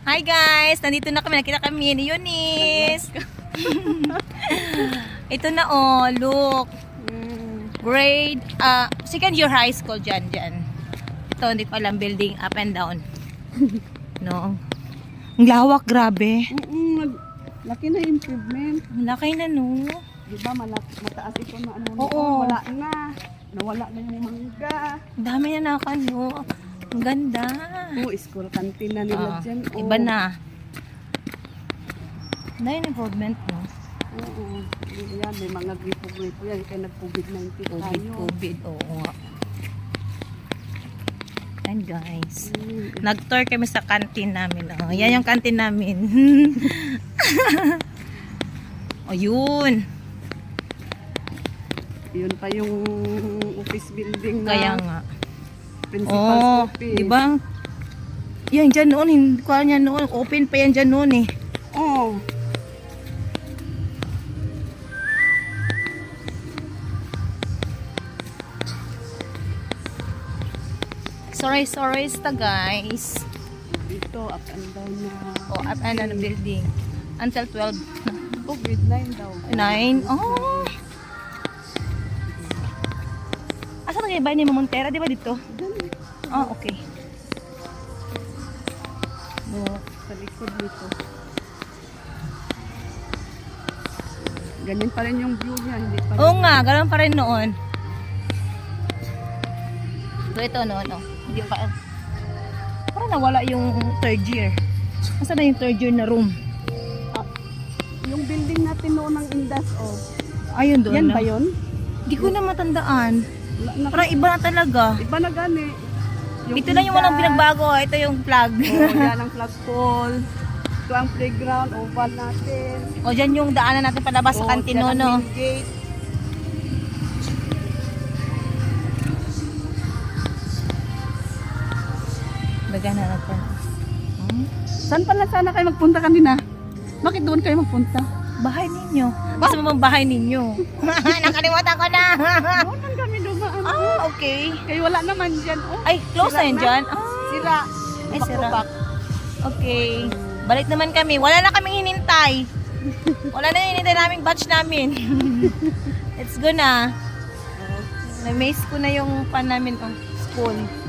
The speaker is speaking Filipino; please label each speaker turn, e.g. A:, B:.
A: Hi guys! Nandito na kami. Nakita kami ni Eunice. Ito na oh, look. Grade, second year high school dyan. Ito, hindi ko alam, building up and down. No. Ang lawak, grabe.
B: Laki na improvement.
A: Ang laki na, no.
B: Diba, mataas ito na ano.
A: Oo.
B: Wala na. Nawala na yung mangga.
A: Ang dami na nakano. Ang ganda.
B: Oo, school canteen na nila dyan.
A: Iba na. Dahil improvement, no?
B: Oo. Yan, may mga gripo-gripo yan. Kaya nag-COVID-19 tayo.
A: COVID, oo nga. And guys, nag-tour kami sa canteen namin. Oh, yan yung canteen namin. O, yun.
B: Yun pa yung office building na
A: Kaya nga.
B: principal's office.
A: Diba? Yan dyan noon. Hindi ko alam yan noon. Open pa yan dyan noon eh.
B: Oo.
A: Sorry sta guys.
B: Dito, up and down na.
A: Oh, up and down the building. Until 12.
B: COVID-9 daw.
A: 9. Oh. Asa na kayo ba ni Montera? Di ba dito? Oh, okay.
B: Sa likod dito. Ganyan pa rin yung view niya. Hindi pa rin.
A: Oo nga, ganoon pa rin noon. Ito noon, oh. Hindi pa. Parang nawala yung third year. Asa na yung third year na room?
B: Yung building natin noon ng Indas, oh.
A: Ayun doon.
B: Yan
A: na.
B: ba yun?
A: Hindi ko na matandaan. Parang iba na talaga.
B: Iba na gani.
A: Ito na yung walang pinagbago. Ito yung flag.
B: Oh, yan ang flagpole. Ito ang playground, oval natin.
A: O, dyan yung daanan natin palabas sa kantin,
B: dyan ang
A: no?
B: main gate.
A: Baga na natin.
B: Saan pala sana kayo magpunta kanina? Bakit doon kayo magpunta?
A: Bahay ninyo. Gusto mo bang bahay ninyo? Nakalimutan ko na.
B: Doon lang kami dumaan.
A: Ah, okay.
B: Kaya wala naman dyan. Oh,
A: Ay, close na
B: sira
A: yun
B: na.
A: dyan.
B: Sira.
A: Ay, sira.
B: Back-to-back.
A: Okay. Balik naman kami. Wala na kaming hinintay. Wala na yung hinintay naming batch namin. Let's go na. Na-maze ko na yung pan namin, oh, school.